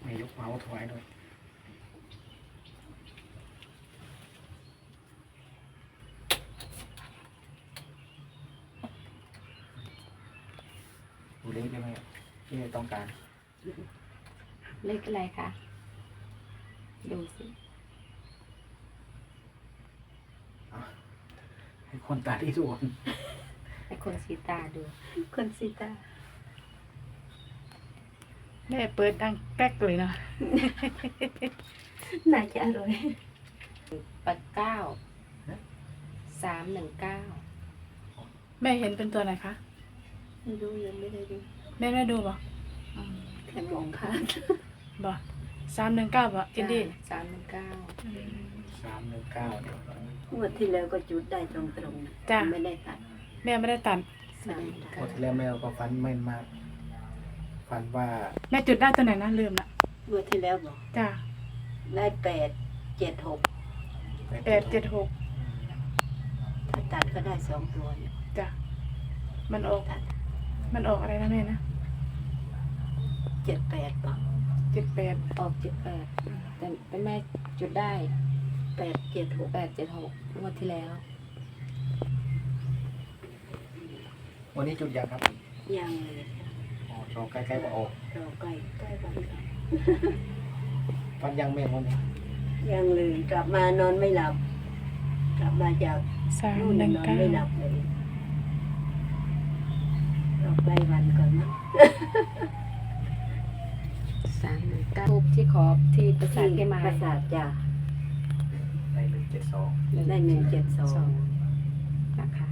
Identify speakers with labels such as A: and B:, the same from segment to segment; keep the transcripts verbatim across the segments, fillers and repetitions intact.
A: มียกเมาส์ถวายด้วยดูเลขได้ไหมที่ต้องการ
B: เลขอะไรคะดูสิ
A: ให้คนตาที่ดู
B: ให้คนสีตาดู
C: คนสีตา
D: แม่เปิดดังแป๊กเลยนะ
C: น่าจะอร่อย
B: ปัดเก้าสามหนึ่งเก้า
D: แม่เห็นเป็นตัวไหนคะ
C: ไม่รู้ยังไม่ได้ดู
D: แม่ไม่ดูบ่
C: แค่มองผ่าน
D: บ่สามหนึ่งเก้าบ่จินดี้
B: สามหนึ่งเก้า
A: สามหนึ่งเก้าเดี๋ยว
C: งวดที่แล้วก็จุดได้ตรงๆจ้ะไม่ได้ตัด
D: แม่ไม่ได้ตัด
A: งวดที่แล้วแม่ก็ฟันไม่มากฟันว่า
D: แม่จุดได้ตัวไหนนะลืมละ
C: งวดที่แล้วบอก
D: จ้ะ
C: ได้แปดเจ็ดหก
D: แปดเจ็ดหก
C: ถ้าตัดก็ได้สองตัวเนี่ย
D: จ้ะมันออกมันออกอะไรนะแม่นะ
C: เจ็ดแปดป่ะ
D: เจ็ดแปด
B: ออกเจ็ดแปดแต่เป็นแม่จุดได้
C: แปดเจ็ดหก
B: แปดเจ็ดหกงวดที่แล้ว
A: วันนี้จุดยังครับ
C: ยังเลย
A: อ๋อรอใกล้ๆว่าออก
C: รอใกล้ใกล้วัน
A: ฟันยังแม่วันนี้
C: ยังเลยกลับมานอนไม่หลับกลับมาจากนู่นนอนไม่หลับเลยรอใกล้วันก่อนนะ
B: สามหนึ่งเก้าทูบที่ขอที่ประสาทที่มา
C: ประสาทจ้ะ
A: ได้หนึ่งเจ็ดสอง
C: ได้หนึ่งเจ็ดสอง
B: นะคะ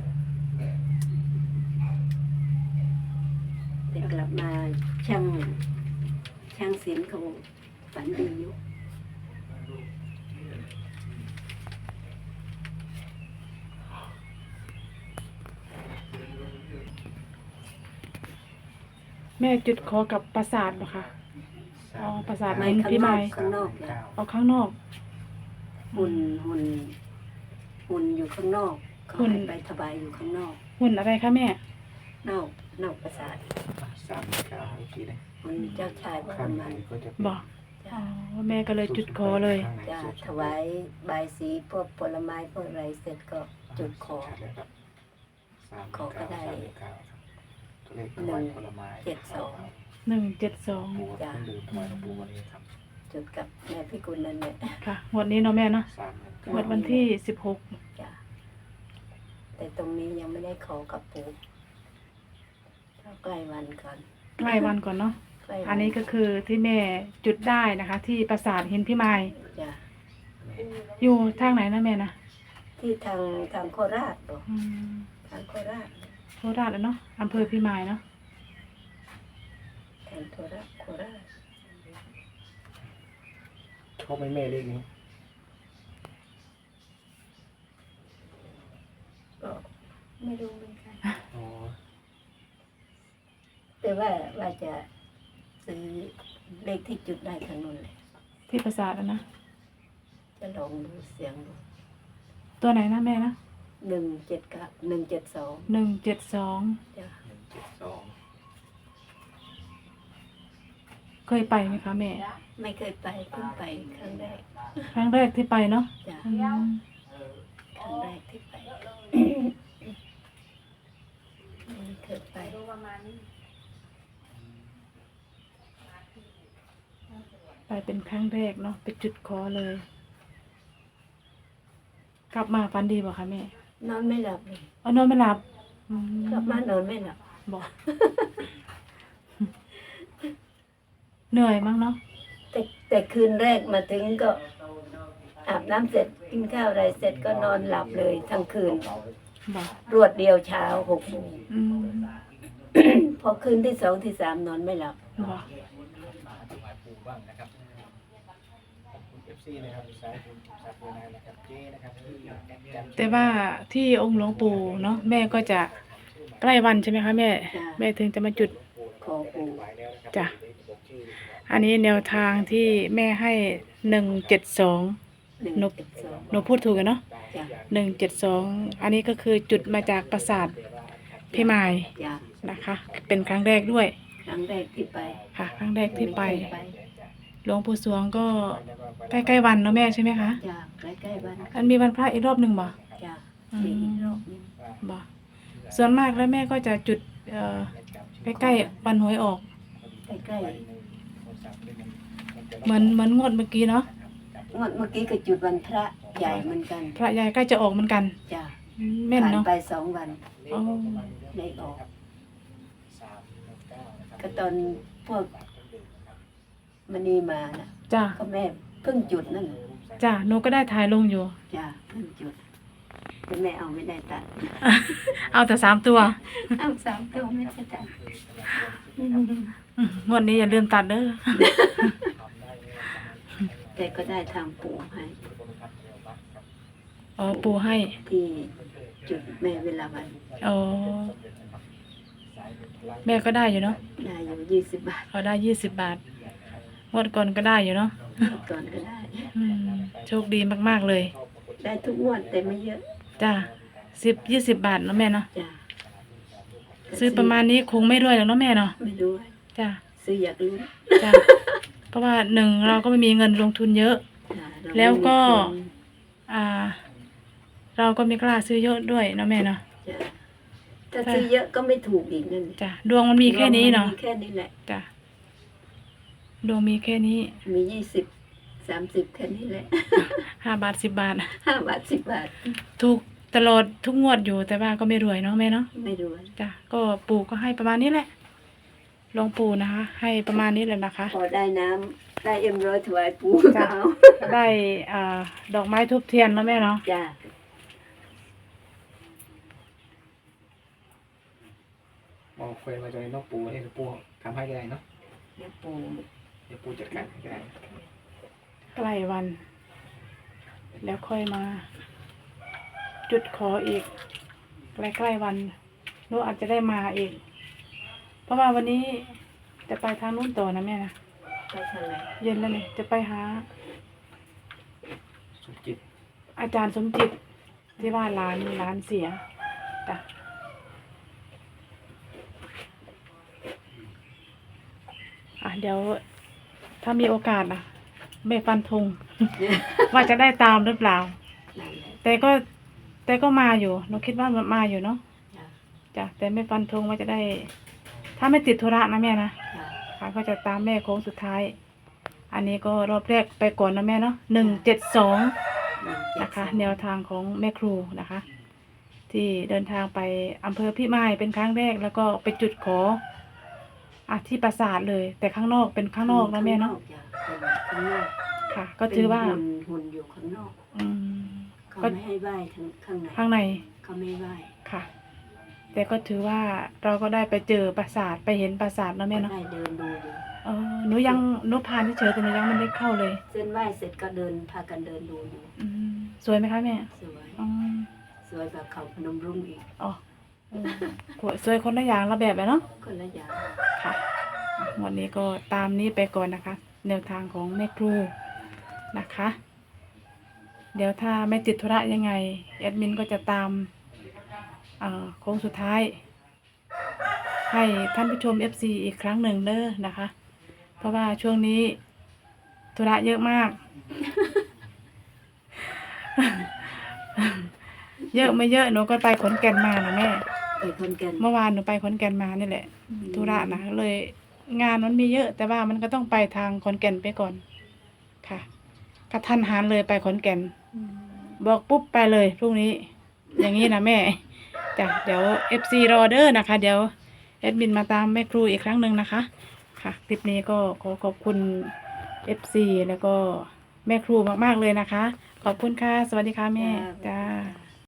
C: แต่กลับมาช่างช่างศิลป์เขาฝันดีอยู่
D: แม่จุดขอกับปราสาทเหรอคะอ๋อปราสาทหินพี่ไม้
C: ข้างนอก
D: เอาข้างนอก
C: หุ่นหุ่นหุ่นอยู่ข้างนอกเขาให้ไปถวายอยู่ข้างนอก
D: หุ่นอะไรคะแม่
C: นอกนอกปราสาท
A: สามเก้าทีเลย
C: หุ่นเจ้าชายพระมัน
D: บอกอ๋อแม่ก็เลยจุดขอเลย
C: จะถวายใบสีพวกผลไม้พวกอะไรเสร็จก็จุดขอขอก็ได้หนึ่งเจ็ดสอง
D: หนึ่งเจ็ดสอง
C: จ้ะจุดกับแม่พิกุลนั่นแหละ
D: ค่ะวันนี้เนาะแม่เนาะวันวันที่สิบหก
C: จ้ะแต่ตรงนี้ยังไม่ได้ขอกับปู่ใกล้วันก่อน
D: ใกล้วันก่อนเนาะอันนี้ก็คือที่แม่จุดได้นะคะ ที่ปราสาทหินพี่ไม้
C: จ้ะ
D: อยู่ทางไหนนะแม่นะ
C: ที่ทางทางโคราชบอกทางโคราช
D: โคราชเนาะอำเภอพี่ไม้เนาะ
C: ทางโคราชโคราช
A: เขาไม่แม่เลขนี้
C: ก็ไม่รู้เหมือนกันแต่ว่าว่าจะซื้อเลขที่จุดได้ทางนู้นเลย
D: ที่ปราสาทนะ
C: จะลองดูเสียงดู
D: ตัวไหนนะแม่นะ
C: หนึ่งเจ็ดกับหนึ่งเจ็ดสอง
D: หนึ่งเจ็ดสอง
C: จ้ะ
A: หนึ่งเจ็ดสอง
D: เคยไปไหมคะแม่
C: ไม่เคยไปเพิ่งไปครั้งแรก
D: ครั้งแรกที่ไปเนาะ
C: จ้ะครั้งแรกที่ไปไม่เคยไป
D: ไปเป็นครั้งแรกเนาะไปจุดขอเลยกลับมาฝันดีบ่คะแม่
C: นอนไม่หลับเลย
D: อ๋อนอนไม่หลับ
C: กลับมานอนไม่หลับ
D: บอกเหนื่อยมั้งเนาะ
C: แต่แต่คืนแรกมาถึงก็อาบน้ำเสร็จกินข้าวอะไรเสร็จก็นอนหลับเลยทั้งคืนรวดเดียวเช้าหกโมงพอคืนที่สองที่สามนอนไม่หลับ
D: แต่ว่าที่องค์หลวงปู่เนาะแม่ก็จะใกล้วันใช่ไหมคะแม่แม่ถึงจะมาจุด
C: ขอปู่
D: จ้ะอันนี้แนวทางที่แม่ให้หนึ่งเจ็ดสองหนูหนูพูดถูกกันเนาะหนึ่งเจ็ดสองอันนี้ก็คือจุดมาจากปราสาทพี่ไม้นะคะเป็นครั้งแรกด้วย
C: ครั้งแรกที่ไป
D: ค่ะครั้งแรกที่ไปหลวงปู่สวงก็ใกล้ๆวันเนาะแม่ใช่ไหมคะ
C: จ้ะใกล้ๆวัน
D: อันมีวันพระอีกรอบหนึ่งบ่
C: จ้ะ
D: อืม
C: สี่รอบนึง
D: บ่ส่วนมากแล้วแม่ก็จะจุดเอ่อใกล้ๆวันหวยออก
C: ใกล้
D: เหมือนเหมือนงวดเมื่อกี้เนาะ
C: ๆงวดเมื่อกี้ก็จุดวันพระใหญ่เหมือนกัน
D: พระยายใกล้จะออกเหมือนกัน
C: จ้ะ
D: อืมแม่น
C: ผ่าน
D: เนาะ
C: ไปสองวัน
D: อ๋อ
C: ได้ออก ก็ตอนพวกมณีมาน่ะ
D: จ้า
C: ก็แม่เพิ่งจุดนั่น
D: จ้าหนูก็ได้ถ่ายลงอยู่
C: จ้ะเพิ่งจุดแต่แม่เอาไม่ได้ตัด
D: เอาแต่สามตัว
C: เอาสามตัวไม่ได้ตัด
D: อืมงวดนี้อย่าลืมตัดเด้อ
C: แต่ก็ได้ทางปู่ให้
D: อ๋อปูให้
C: ที่จุดแม่เวลาวัน
D: อ๋อแม่ก็ได้อยู่เนาะ
C: ได้อยู่ยี่สิบบาท
D: เขาได้ยี่สิบบาทงวดก่อนก็ได้อยู่เนาะ
C: ก่อนก็ได้
D: อืมโชคดีมากๆเลย
C: ได้ทุกงวดแต่ไม่เยอะ
D: จ้าสิบยี่สิบบาทเนาะแม่เนาะ
C: จ้ะ
D: ซื้อประมาณนี้คงไม่รวยหรอกเนาะแม่เนาะ
C: ไม่รู้
D: จ้า
C: ซื้ออยากรู้
D: จ้าเพราะว่าหนึ่งเราก็ไม่มีเงินลงทุนเยอะ
C: จ้ะเรา
D: แล้วก็
C: ไม่มี
D: อ่า เราก็ไม่กล้าซื้อเยอะด้วยเนาะแม่เนาะ
C: คนจ้ะถ้าซื้อเยอะก็ไม่ถูกอีกนั่น
D: จ้าดวงมันมีแค่นี้เนาะ
C: มีแค่นี้แหละ
D: จ้าดวงมีแค่นี้
C: มียี่สิบสามสิบแค่นี้แหละ
D: ห้าบาทสิบบาท
C: ห้าบาทสิบบาท
D: ถูกตลอดทุกงวดอยู่แต่ว่าก็ไม่รวยเนาะแม่เนาะ
C: ไม่รู้
D: จ้ะก็ปู่ก็ให้ประมาณนี้แหละหลวงปู่นะคะ ให้ประมาณนี้เลยนะคะ
C: พอได้น้ำได้เอ็มร้อยถวายปู่
D: จ้ะ
C: เอา
D: ได้อ่าดอกไม้ทูบเทียนเนาะแม่เนาะ
C: จ้ะ
A: มองเคยมาจนน้องปูให้ปูทำให้ก็ได้เนาะ
C: เดี๋ยวปู่
A: เดี๋ยวปูจัดการให้ก็ได้
D: ใกล้วัน แล้วค่อยมา จุดขออีกใกล้ๆวันหนูอาจจะได้มาอีก เพราะว่าวันนี้จะไปทางนู้นต่อนะแม่นะ
C: ไปทางไหน
D: เย็นแล้วนี่จะไปหา
A: สุจิต
D: อาจารย์สมจิตที่ว่าร้านร้านเสียจ้ะอ่ะเดี๋ยว ถ้ามีโอกาสนะไม่ฟันธง ว่าจะได้ตามหรือเปล่า
C: นั่นแหละ
D: แต่ก็แต่ก็มาอยู่หนูคิดว่ามันมาอยู่เนาะ
C: จ้ะ
D: จ้ะแต่ไม่ฟันธงว่าจะได้ ถ้าไม่ติดธุระนะแม่นะ
C: จ้ะ
D: ค่ะก็จะตามแม่โค้งสุดท้าย อันนี้ก็รอบแรกไปก่อนนะแม่เนาะหนึ่งเจ็ดสอง
C: หนึ่งเจ็ด
D: นะคะ
C: สอง
D: แนวทางของแม่ครูนะคะ ที่เดินทางไปอำเภอพิมายเป็นครั้งแรกแล้วก็ไปจุดขออ่ะที่ปราสาทเลย แต่ข้างนอกเป็นข้างนอกนะแม่เนาะ
C: จ้ะเป็นข้างนอก
D: ค่ะ ก็ถือว่า
C: เป็นหุ่นหุ่นอยู่ข้างนอก
D: อืม
C: เขา
D: ก็
C: ไม่ให้ไหว้ทั้งข้างใน
D: ข้างใน
C: เขาไม่ไหว้
D: ค่ะ แต่ก็ถือว่าเราก็ได้ไปเจอปราสาทไปเห็นปราสาทนะแม่เนาะ
C: ได้เดินดูอยู่
D: เออหนูยังหนูผ่านเฉยๆแต่หนูยังไม่ได้เข้าเลย
C: เส้นไหว้เสร็จก็เดินพากันเดินดูอยู่
D: อืมสวยไหมคะแม่
C: สวย
D: อ๋อ
C: สวยกว่าเขาพนมรุ้งอีก
D: อ๋อเออสวยคนละอย่างละแบบเลยเนาะ
C: คนละอย่าง
D: ค่ะอ่ะวันนี้ก็ตามนี้ไปก่อนนะคะ แนวทางของแม่ครูนะคะ เดี๋ยวถ้าไม่ติดธุระยังไงแอดมินก็จะตามเอ่อโค้งสุดท้าย ให้ท่านผู้ชม เอฟ ซี อีกครั้งหนึ่งเด้อนะคะ เพราะว่าช่วงนี้ธุระเยอะมาก เยอะไม่เยอะหนูก็ไปขอนแก่นมานะแม่
C: ไปคนกัน
D: เมื่อวานหนูไปขอนแก่นมานี่แหละ ธุระนะเลยงานมันมีเยอะ แต่ว่ามันก็ต้องไปทางขอนแก่นไปก่อนค่ะกระทันหันเลยไปขอนแก่น บอกปุ๊บไปเลยพรุ่งนี้ อย่างนี้นะแม่จ้ะเดี๋ยวเอฟซีรอเดอร์นะคะ เดี๋ยวแอดมินมาตามแม่ครูอีกครั้งหนึ่งนะคะ ค่ะคลิปนี้ก็ขอขอบคุณเอฟซีแล้วก็แม่ครูมากๆเลยนะคะ ขอบคุณค่ะ สวัสดีค่ะแม่จ้า